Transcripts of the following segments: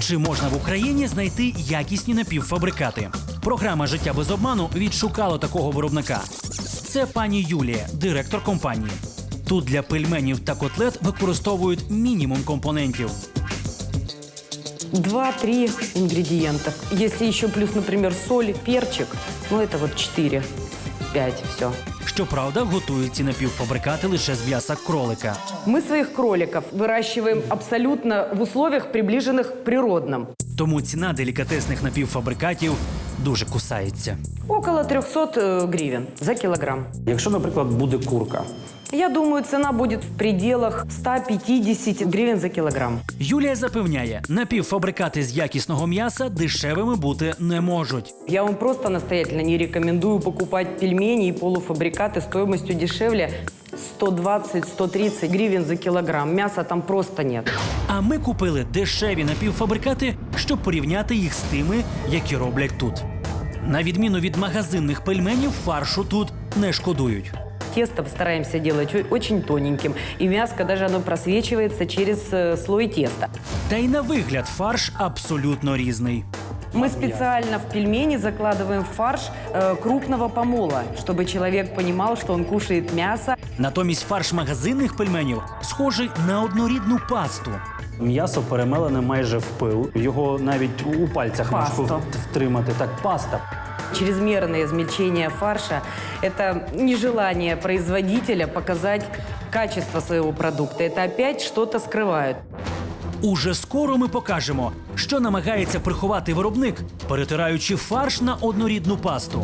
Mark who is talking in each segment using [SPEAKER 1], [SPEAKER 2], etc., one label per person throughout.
[SPEAKER 1] Чи можна в Україні знайти якісні напівфабрикати? Програма «Життя без обману» відшукала такого виробника. Це пані Юлія, директор компанії. Тут для пельменів та котлет використовують мінімум компонентів.
[SPEAKER 2] 2-3 ингредиента. Если еще плюс, например, соль, перчик, ну это вот 4-5, все.
[SPEAKER 1] Щоправда, готують ці напівфабрикати лише з м'яса кролика.
[SPEAKER 2] Мы своих кроликов выращиваем абсолютно в условиях, приближенных к природным.
[SPEAKER 1] Тому ціна делікатесних напівфабрикатів дуже кусається.
[SPEAKER 2] Около 300 гривен за килограмм.
[SPEAKER 3] Якщо, наприклад, буде курка,
[SPEAKER 2] Я думаю, цена будет в пределах 150 гривен за килограмм.
[SPEAKER 1] Юлія запевняє, напівфабрикати з якісного м'яса дешевими бути не можуть.
[SPEAKER 2] Я вам просто настоятельно не рекомендую покупать пельмени и полуфабрикаты стоимостью дешевле 120-130 гривен за килограмм. Мяса там просто нет.
[SPEAKER 1] А ми купили дешеві напівфабрикати, щоб порівняти їх з тими, які роблять тут. На відміну від магазинних пельменів, фаршу тут не шкодують.
[SPEAKER 2] Тесто стараемся делать очень тоненьким, и мяско даже оно просвечивается через слой теста.
[SPEAKER 1] Та й на вигляд фарш абсолютно різний.
[SPEAKER 2] Мы специально в пельмени закладываем фарш крупного помола, чтобы человек понимал, что он кушает мясо.
[SPEAKER 1] Натомість фарш магазинних пельменів схожий на однорідну пасту.
[SPEAKER 3] м'ясо перемелене майже в пил, його навіть у пальцях важко
[SPEAKER 2] Паста.
[SPEAKER 3] втримати. Так, паста.
[SPEAKER 2] Чрезмерное измельчение фарша – это нежелание производителя показать качество своего продукта. Это опять что-то скрывают.
[SPEAKER 1] Уже скоро ми покажемо, що намагається приховати виробник, перетираючи фарш на однорідну пасту.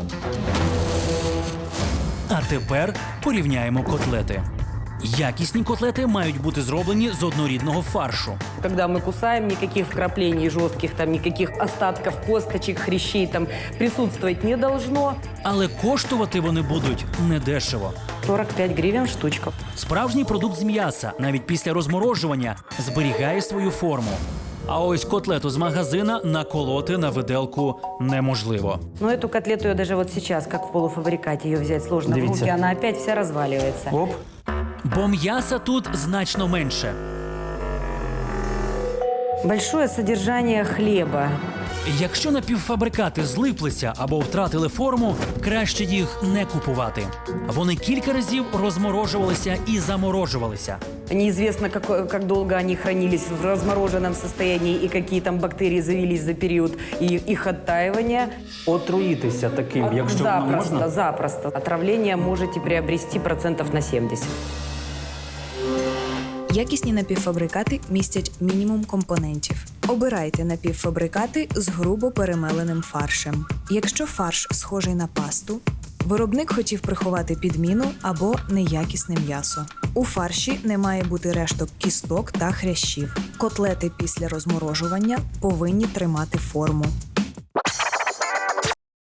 [SPEAKER 1] А тепер порівняємо котлети. Якісні котлети мають бути зроблені з однорідного фаршу.
[SPEAKER 2] Когда мы кусаем, никаких вкраплений жестких, там, никаких остатков косточек, хрящей там присутствовать не должно.
[SPEAKER 1] Але коштувати вони будуть недешево.
[SPEAKER 2] 45 гривен штучка.
[SPEAKER 1] Справжній продукт з м'яса, навіть після розморожування, зберігає свою форму. А ось котлету з магазина наколоти на виделку неможливо.
[SPEAKER 2] Но эту котлету я даже вот сейчас, как в полуфабрикате, ее взять сложно в
[SPEAKER 3] Дивіться.
[SPEAKER 2] руки, она опять вся разваливается.
[SPEAKER 3] Оп.
[SPEAKER 1] Бо м'яса тут значно менше.
[SPEAKER 2] Большое содержание хлеба.
[SPEAKER 1] Якщо напівфабрикати злиплися або втратили форму, краще їх не купувати. Вони кілька разів розморожувалися і заморожувалися.
[SPEAKER 2] Неизвестно, как долго они хранились в размороженном состоянии и какие там бактерии завелись за период их оттаивания.
[SPEAKER 3] Отруїтися таким, якщо воно
[SPEAKER 2] Запросто,
[SPEAKER 3] можна.
[SPEAKER 2] запросто. Отравление можете приобрести процентов на 70.
[SPEAKER 4] Якісні напівфабрикати містять мінімум компонентів. Обирайте напівфабрикати з грубо перемеленим фаршем. Якщо фарш схожий на пасту, виробник хотів приховати підміну або неякісне м'ясо. У фарші не має бути решток кісток та хрящів. Котлети після розморожування повинні тримати форму.